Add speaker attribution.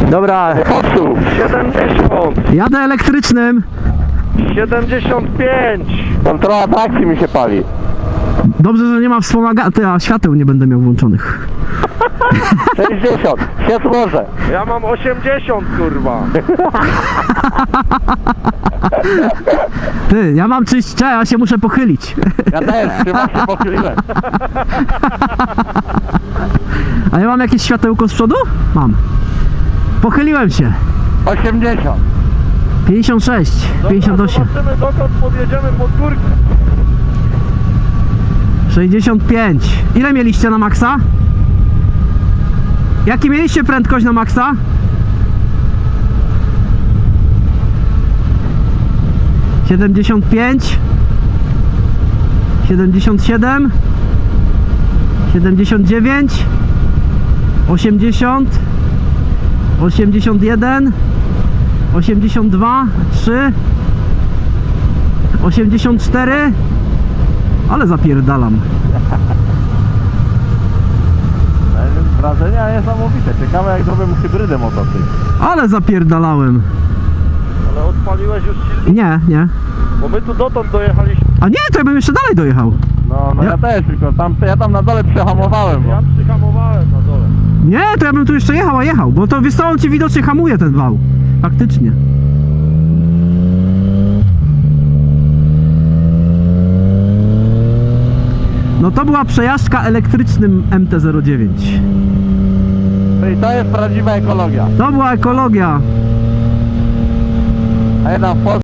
Speaker 1: Dobra,
Speaker 2: 70,
Speaker 1: jadę elektrycznym.
Speaker 2: 75.
Speaker 3: Kontrola trakcji mi się pali.
Speaker 1: Dobrze, że nie ma wspomagania, a świateł nie będę miał włączonych.
Speaker 3: 60, się złożę.
Speaker 2: Ja mam 80, kurwa.
Speaker 1: Ty, ja mam czyść, ja się muszę pochylić.
Speaker 3: Ja też, chyba się pochyliłem.
Speaker 1: A ja mam jakieś światełko z przodu? Mam. Pochyliłem się.
Speaker 3: 80.
Speaker 1: 56, 58,
Speaker 2: Zobaczymy, dokąd podjedziemy pod górkę.
Speaker 1: 65. Ile mieliście na maksa? Jaki mieliście prędkość na maksa? (77) 77, 79, 80, 81, 82, 3, 84. Ale zapierdalam.
Speaker 3: Wrażenia niesamowite. Ciekawe jak zrobię mu hybrydę motocykl.
Speaker 1: Ale zapierdalałem.
Speaker 2: Ale odpaliłeś już silnik?
Speaker 1: Nie.
Speaker 2: Bo my tu dotąd dojechaliśmy.
Speaker 1: A nie, to ja bym jeszcze dalej dojechał.
Speaker 3: No ja też, tylko ja tam na dole przehamowałem. Bo...
Speaker 2: Ja przyhamowałem na dole.
Speaker 1: Nie, to ja bym tu jeszcze jechał, bo to wiesz co, on ci widocznie hamuje ten wał. Faktycznie. No to była przejażdżka elektrycznym MT-09.
Speaker 3: I to jest prawdziwa ekologia.
Speaker 1: To była ekologia.
Speaker 3: A jedna w Polsce